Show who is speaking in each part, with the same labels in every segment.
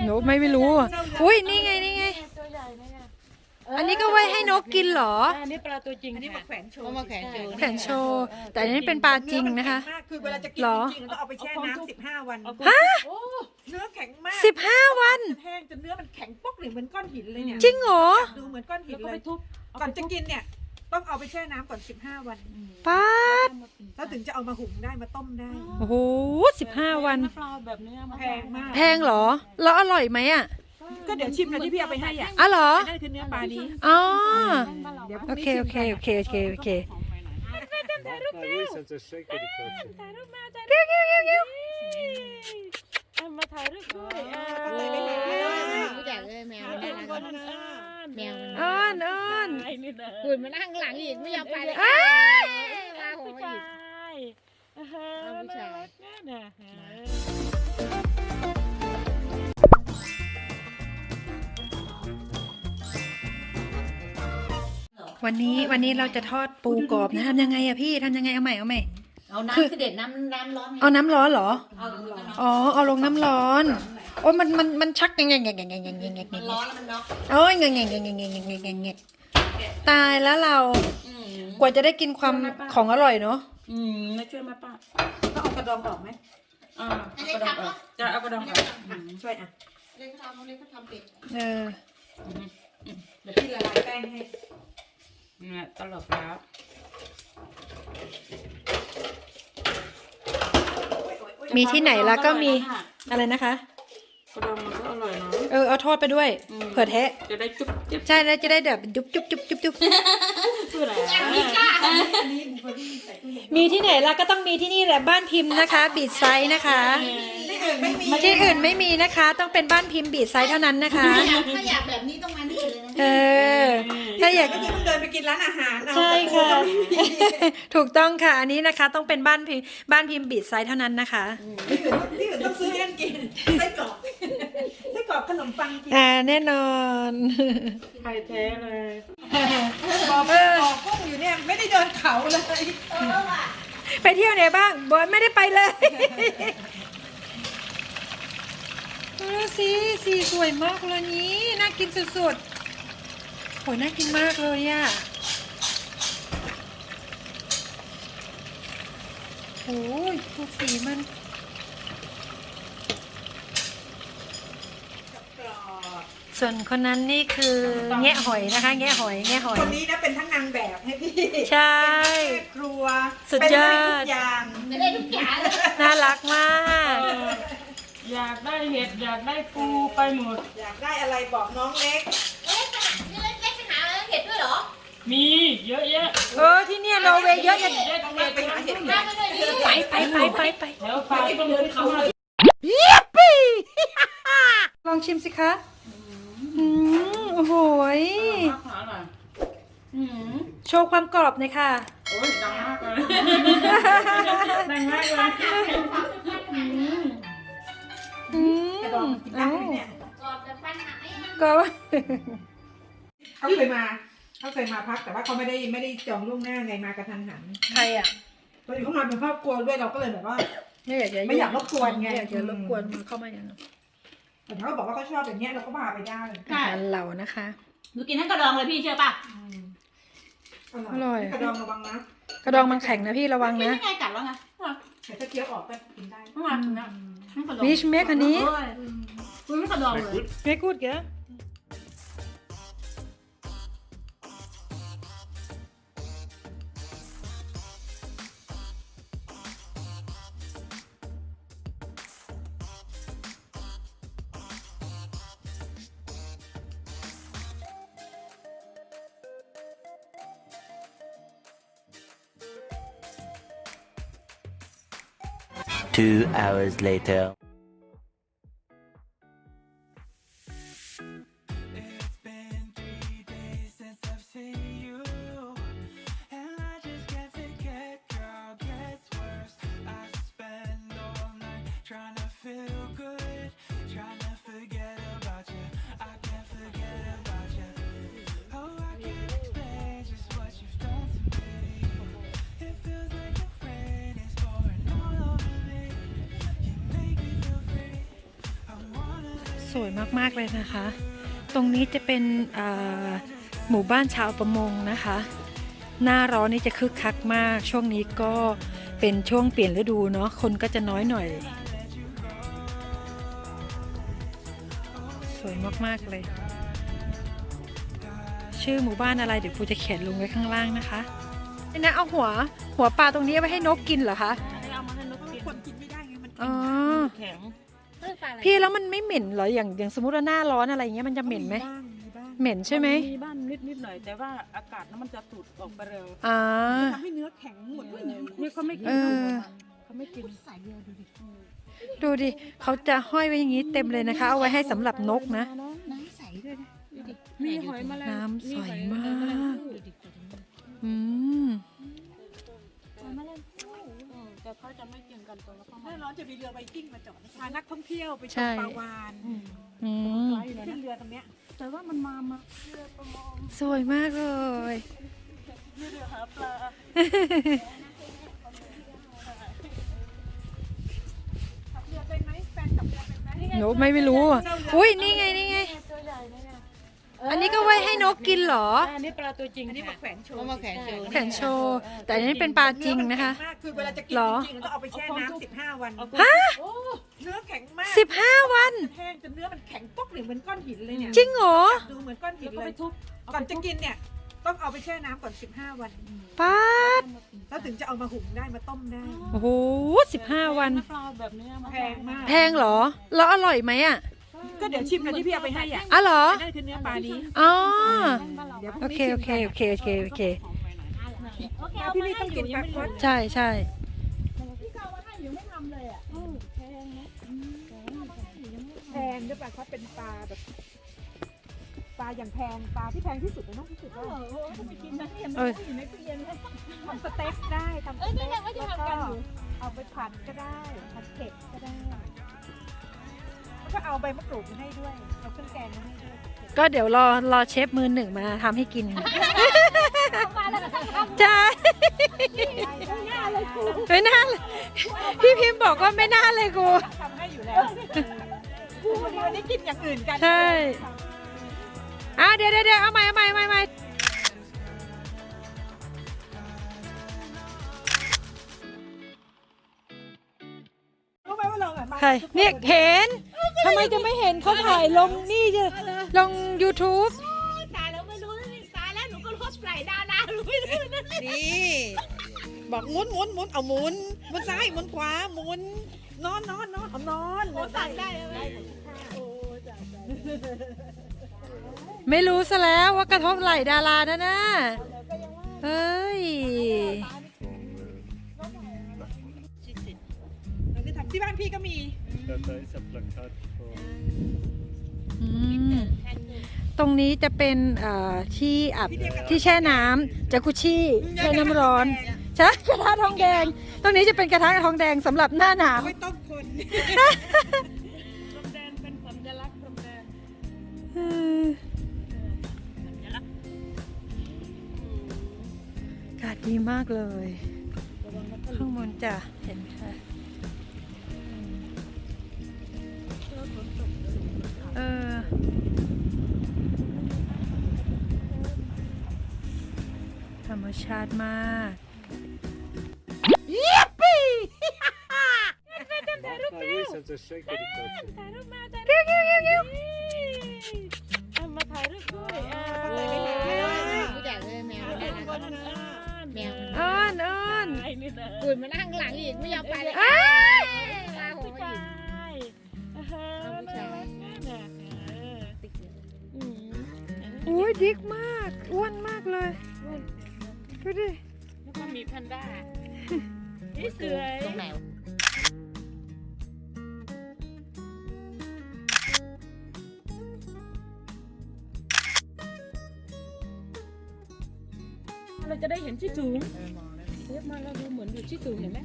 Speaker 1: นกไม่รู้อุ้ยนี่ไงนี่ไงอันนี้ก็ไว้ให้นกกินเหรอ
Speaker 2: อันนี้ปลาตัวจริง
Speaker 3: อันนี้มาแขวนโชว์
Speaker 2: มาแขวนโชว์
Speaker 1: แขวนโชว์แต่อันนี้เป็นปลาจริงนะคะ
Speaker 3: คือเวลาจะกินจริงๆต้องเอาไปแช่น้ำ15 วัน
Speaker 1: ฮะ
Speaker 3: เนื้อแข็งมาก
Speaker 1: 15 วัน
Speaker 3: แห้งจนเนื้อมันแข็งป๊อกเหมือนก้อนหินเลยเนี่ย
Speaker 1: จริงเหรอ
Speaker 3: ดูเหมือนก้อนหิน
Speaker 2: แล้วก็
Speaker 3: เล
Speaker 2: ไป
Speaker 3: ย
Speaker 2: ทุบ
Speaker 3: ก่อนจะกินเนี่ยต้องเอาไปแช่น้ำก่อน15 วัน
Speaker 1: ป้าด
Speaker 3: แล้วถึงจะเอามาหุงได้มาต้มได้
Speaker 1: โอ้โห15 วัน
Speaker 2: ปลาแบบเนื้อมา
Speaker 3: แพงมาก
Speaker 1: แพงเหรอแล้วอร่อยไหมอ่ะ
Speaker 3: ก็เดี๋ยวชิมเลยที่พี่เอาไปให้อ่ะ
Speaker 1: อ๋อเหรอ
Speaker 3: นั่นคือเนื้อปลานี้
Speaker 1: อ๋อ
Speaker 3: เดี๋ยว
Speaker 1: โอเคโอเคโอเคโอเคโอเค
Speaker 4: Sen så shaker det kanske.
Speaker 2: มาถ่ายรูปด้วย
Speaker 5: รู้จักเลยแมวมันน่ารักแมวมัน
Speaker 1: อ้อนอ้อน
Speaker 5: หุ่นมันนั่งหลังอีกไม่ยอมไปเลยมาหัว
Speaker 2: ผู้
Speaker 5: อี
Speaker 2: ชาก ยน่ารักนะ
Speaker 1: วันนี้เราจะทอดปูกรอบนะทำยังไงอะพี่ทำยังไงเอาใหม่เอาใหม่
Speaker 5: เอาน้ำเสด็จน้ำร้อน
Speaker 1: เอาน้ำร้อนเหรอ
Speaker 5: เอา
Speaker 1: อ๋อเอาลงน้ำร้อนโอ้ยมันชักยังไงยังไงยังไงยังไงยังไง
Speaker 5: มันร้อนแล้วมันน็อก
Speaker 1: โอ้ยยังไงยังไงยังไงยังไงยังไงตายแล้วเรากว่าจะได้กินความของอร่อยเนาะ
Speaker 2: มาช่วยมาป้า
Speaker 3: ต้องเอากระดองออกไหม
Speaker 2: กระดองออกจะเอากระดองออก
Speaker 3: ช่วยอ่ะ
Speaker 5: เล่นทำเล่นเขาทำเป็ด
Speaker 1: เออ
Speaker 3: เดี๋ยวพี่ละลายแป้งให้
Speaker 2: เนี่ยตลบแล้ว
Speaker 1: มีที่ไหนแล้วก็มีอะไรนะคะ
Speaker 2: กระดองมันก็อร่อยเนาะ
Speaker 1: เอาทอดไปด้วยเผื่อแทะ
Speaker 2: จะได้จุ๊บจิ๊บ
Speaker 1: ใช่แล้วจะได้แบบจุ๊บจุ๊บจุ๊บจุ๊บจุ๊บ
Speaker 2: เพื่ออะไร
Speaker 1: มีที่ไหนล่ะก็ต้องมีที่นี่แหละบ้านพิมพ์นะคะ บีดไซส์นะคะ
Speaker 3: ที่อื่นไม่มี
Speaker 1: ที่อื่นไม่มีนะคะ ต้องเป็นบ้านพิมพ์บีดไซส์เท่านั้นนะคะ
Speaker 5: ถ้าอยากแบบนี้ต้องมานี่เลยนะ
Speaker 1: เออถ้าอยาก
Speaker 3: ก็คือเพิ่งเดินไปกินร้านอาหารเอา
Speaker 1: ใช่ค่ะ ถูกต้องค่ะอันนี้นะคะต้องเป็นบ้านพิมพ์บีดไซส์เท่านั้นนะคะ
Speaker 3: ที่อื่นต้องซื้อให้กันกินไส้กรอกไส้กรอกขนมปังกิน
Speaker 1: แน่นอน
Speaker 2: ไข่แท้เลย
Speaker 3: บอกกุ้งอยู่เนี่ยไม่ได้เดินเขาเลย
Speaker 1: ไปเที่ยวไหนบ้างบอยไม่ได้ไปเลยสีสวยมากเลยนี้น่ากินสุดๆโหน่ากินมากเลยอ่ะโอ้ยดูสีมันส่วนคนนั้นนี่คือแงะหอยนะคะแงะหอย
Speaker 3: คนนี้นะเป็นทั้งนางแบบให้พี่
Speaker 1: ใช่
Speaker 3: เป็นแม่ครัว
Speaker 1: สุดยอด
Speaker 3: เป็นได้ทุกอย่าง
Speaker 5: ไม่ได้ทุกอย่างเลย
Speaker 1: น่ารักมาก
Speaker 2: อยากได้เห็ดอยากได้ปูไปหมด
Speaker 3: อยากได้อะไรบอกน้องเล็ก
Speaker 5: เล็กไปหาเห็ดด้วยเหรอ
Speaker 2: มีเยอะแยะ
Speaker 1: ที่เนี่ยนอร์เวย์เยอะแยะ
Speaker 3: ต้องไปหาเห็ด
Speaker 5: มาไปเลยดิ
Speaker 1: ไป
Speaker 2: แล้วปลาต้องเดินเข้ามา
Speaker 1: ลองชิมสิคะโอ้โหย
Speaker 2: อร่อย
Speaker 1: โชว์ความกรอบหน่อยค่ะ
Speaker 2: โอ้ยดังมากเลยดังมากเลย
Speaker 3: กระดองกินได้ไหมเนี่ย
Speaker 5: กรอบแต่ฟันหัก
Speaker 1: ก็
Speaker 3: เขาเคยมาพักแต่ว่าเขาไม่ได้จองล่วงหน้าไงมากระทันหัน
Speaker 1: ใครอ่ะ
Speaker 3: ตอนนี้เขามาเป็นครอบครัวด้วยเราก็เลยแบบว่า
Speaker 1: ไม่อยากจะ
Speaker 3: ไม่อยากรบกวนไง
Speaker 1: ไม่อยากจะรบกวนเข้ามาอย่างนั้น
Speaker 3: แต่เขาบอกว่าเขาชอบแบบเนี้ยเราก็พาไปได้
Speaker 1: อาหารเหล่านะคะ
Speaker 5: หนูกินทั้งกระดองเลยพี่เชื่อป่ะ
Speaker 1: อร่อย
Speaker 3: กระดองระวังนะ
Speaker 1: กระดองมันแข็งนะพี่ระวัง
Speaker 5: กิน
Speaker 1: นะ
Speaker 5: ยังไงกัดแล้วไง
Speaker 3: แต่ถ้าเคี้ยวออกก็กินได้
Speaker 5: ทั้งวันนะทั้งกระดอง
Speaker 1: วิชเมคอันนี้
Speaker 5: คุณไม่กระดองเลย
Speaker 1: ไม่กูดแก
Speaker 6: 2 hours later.
Speaker 1: สวยมากๆเลยนะคะ ตรงนี้จะเป็นหมู่บ้านชาวประมงนะคะ หน้าร้อนนี่จะคึกคักมาก ช่วงนี้ก็เป็นช่วงเปลี่ยนฤดูเนาะ คนก็จะน้อยหน่อย สวยมากๆเลย ชื่อหมู่บ้านอะไรเดี๋ยวปูจะเขียนลงไว้ข้างล่างนะคะนี่นะเอาหัวปลาตรงนี้เอาไว้ให้นกกินเหรอคะ
Speaker 2: เอามาให้นกกิน
Speaker 3: คนกินไม่ได้ไงมัน
Speaker 1: อ๋อ
Speaker 2: แข็ง
Speaker 1: พี่แล้วมันไม่เหม็นเหรออย่างสมมติว่าหน้าร้อนอะไรอย่างเงี้ยมันจะเหม็นไหม
Speaker 3: บ้าง
Speaker 1: เหม็นใช่ไหม
Speaker 2: มีบ้านนิดหน่อยแต่ว่าอากาศนั้นมันจะสูดออกไปเร็ว
Speaker 1: อ่า
Speaker 3: ทำให้เนื้อแข็งหมดเลยนะ
Speaker 2: นี่เขาไม่กิน
Speaker 1: เออ
Speaker 2: เขาไม่กิน
Speaker 1: ดูดิเขาจะห้อยไว้อย่างนี้เต็มเลยนะคะ เอาไว้ให้สำหรับนกนะ
Speaker 5: น้ำใสด้วยนะดูดิ
Speaker 2: มีหอยแมลง
Speaker 1: น้ำใสมาก
Speaker 2: หอยแมลงภู่
Speaker 1: อืม
Speaker 2: แต่เขาจะไม่กินกันตัวละประ
Speaker 3: ห
Speaker 2: มา
Speaker 3: น้า
Speaker 2: ณ
Speaker 3: ร้อนจะมีเรือไวกิ้งมาจอดพานักท่องเที่ยวไปช
Speaker 1: ใช่
Speaker 3: มปลาวาน
Speaker 1: อืม
Speaker 2: ไกลเลย
Speaker 3: ขึ้
Speaker 2: นะ
Speaker 3: นเรือตรงเนี้ย
Speaker 2: แต่ว่ามันมาเรือประมง
Speaker 1: สวยมากเลย
Speaker 2: เรือหาปลา
Speaker 3: ขับเรือเป็นไหมแฟนขับเรือเป็นไหม
Speaker 1: หนูไม่รู้อ่ะอุ้ยนี่ไงนี่ไง
Speaker 2: ตัวใหญ่เลยเนี่ย
Speaker 1: อันนี้ก็ไว้ให้นกกินเหรอ
Speaker 2: อันนี้ปลาตัวจริง
Speaker 3: อันนี้มา
Speaker 2: ค่ะ
Speaker 3: แขวนโชว์
Speaker 5: เอามาแขวนโชว์
Speaker 1: แขวนโชว์ แต่อันนี้เป็นปลาจริงนะคะ
Speaker 3: เอมัแข็งมากคือเวลาจะกิน
Speaker 1: เหรอ
Speaker 3: จริงๆต้องเอาไปแช่น้ำ15 วัน
Speaker 1: ฮะ
Speaker 3: เนื้อแข็งมาก
Speaker 1: 15 วัน
Speaker 3: แห้งจนเนื้อมันแข็งป๊อกเลยเหมือนก้อนหินเลยเนี่ย
Speaker 1: จริงเหรอ
Speaker 3: ดูเหมือนก้อนหิ
Speaker 2: แล้
Speaker 3: น
Speaker 2: วก็
Speaker 3: เล
Speaker 2: ไป
Speaker 3: ย
Speaker 2: ทุบ
Speaker 3: ก่อนจะกินเนี่ยต้องเอาไปแช่น้ำก่อน15 วัน
Speaker 1: ป้าด
Speaker 3: แล้วถึงจะเอามาหุงได้มาต้มได้
Speaker 1: โอ้โห15 วัน
Speaker 2: ปลาแบบนี้มา
Speaker 3: แพงมาก
Speaker 1: แพงเหรอ แล้วอร่อยไหมอ่ะ
Speaker 3: ก็เดี๋ยวชิมกันที่พี่เอาไปให้อ่ะ
Speaker 1: อ๋อเหรอ
Speaker 3: นั่นคือเนื้อปลานี้
Speaker 1: อ๋อ
Speaker 3: เดี๋ยวพ
Speaker 1: โอ
Speaker 3: รุ่ง
Speaker 1: เค
Speaker 3: นี้
Speaker 1: โอ
Speaker 3: ชิม
Speaker 1: เค
Speaker 3: กัน
Speaker 1: โอเคโอเคโอเค
Speaker 3: พี่นี่ต้องกินปลาคด
Speaker 1: ใช่ใช่
Speaker 3: แพงด้วยปลาคดเป็นปลาแบบปลาอย่างแพงปลาที่แพงที่สุดในโลกที่สุดแล้ว
Speaker 1: เออ
Speaker 3: ทำสเต็กได้ทำสเต็กแล้วก็เอาไปผัดก็ได้ผัดเผ็ดก็ได้แล้วก็เอาใบมะกรูดมาให้ด้วยเอาเครื่องแกงมาให้ด้วย
Speaker 1: ก็เดี๋ยวรอเชฟมือหนึ่งมาทำให้กินใช่ไม่น่าเลยพี่พิมพ์บอกว่าไม่น่าเลยกู
Speaker 3: ทำให้อยู่แล้ววันนี้กินอย่างอื่นกัน
Speaker 1: ใช่เดี๋ยวเอาใหม่
Speaker 3: รู้ไหมว่าเราอ่ะมา
Speaker 1: ใครเนี่ยเห็นทำไมจะไม่เห็นเขาถ่ายลงนี่จะลง YouTube
Speaker 5: ตายแล้วไม่รู้ตายแล้วหนูก็รถไหลดาหนูไม่รู้นะ
Speaker 3: นี่บอกหมุนเอาหมุนซ้ายหมุนขวาหมุนนอนเอานอน
Speaker 5: สั่งได้ไหม
Speaker 1: ไม่รู้ซะแล้วว่ากระทบไหล่ดารานะน่ะเฮ้ย
Speaker 3: ทำที่บ้านพี่ก็มี
Speaker 4: Detta är så plakat på
Speaker 1: อืมตรงนี้จะเป็นที่อาบที่แช่น้ำจากุชี่แช่น้ำร้อนใช่กระทะทองแดง ตรงนี้จะเป็นกระทะทองแดงสำหรับหน้าหนาว
Speaker 3: ไม่ต้องคน
Speaker 2: พรมแดนเป็นสัญลักษณ์พรมแดน
Speaker 1: อากาศดีมากเลย ข้างบนจะเห็นค่ะธรรมชาติมาก
Speaker 4: Paris inte shaker det klart.
Speaker 2: เอามาถ่ายรูปด้วย
Speaker 5: รู้จักเลยแมวน่ารักแมว
Speaker 1: อ้อนอ้อน
Speaker 2: ไอ้นี่นะ
Speaker 5: ตื่นมานั่งหลังอีกไม่ยอมไปเลยลาหัว
Speaker 2: ผู้
Speaker 5: อี
Speaker 2: ชาก ยน่ารักนะอืม
Speaker 1: อุ้ยดิกมาก อ้วนมากเลย ดูดิ
Speaker 2: แล้วก็มีแพนด้านี่สวย
Speaker 5: ตรงไหน
Speaker 2: เราจะได้เห็นที่สูงเทียบมาเราดูเหมือนอยู่ที่สูงเห็นไหม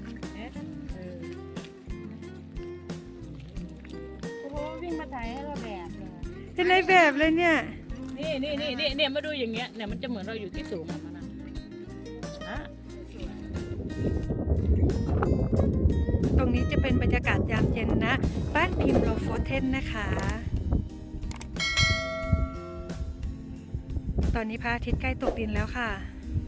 Speaker 2: โอ้โหวิ่งมาถ่ายให้เราแบบเลย
Speaker 1: เป็นในแบบเลยเนี่ย
Speaker 2: นี่มาดูอย่างเงี้ยเนี่ยมันจะเหมือนเราอยู่ที่สูงอะมันนะอ่ะ
Speaker 1: ตรงนี้จะเป็นบรรยากาศยามเย็นนะ บ้านพิมพ์โลโฟเทนนะคะตอนนี้พระอาทิตย์ใกล้ตกดินแล้วค่ะ